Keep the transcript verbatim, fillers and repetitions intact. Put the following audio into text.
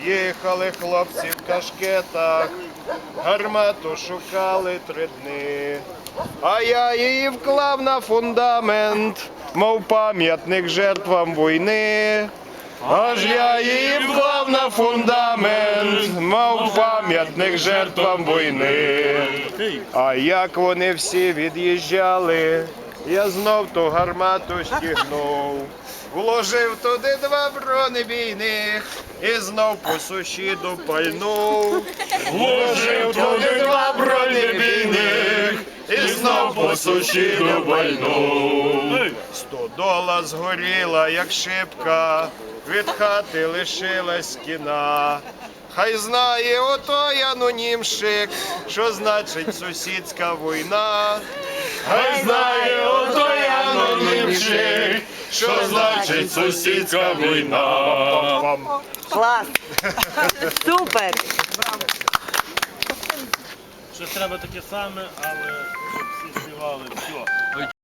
Їхали хлопці в кашкетах, гармату шукали три дні. А я її вклав на фундамент, мов пам'ятник жертвам війни. Аж я її вклав на фундамент, мов пам'ятник жертвам війни. А як вони всі від'їжджали, я знов ту гармату стігнув. Вложив туди два бронебійних і знов по сусіду пальнув. Вложив туди два бронебійних і знов по сусіду пальнув. Стодола згоріла, як шибка, від хати лишилась стіна. Хай знає отой анонімщик, що значить сусідська війна. Хай знає отой анонімщик, що значить сусідська війна. Клас! Супер! Ще треба таке саме, але щоб всі співали. Все.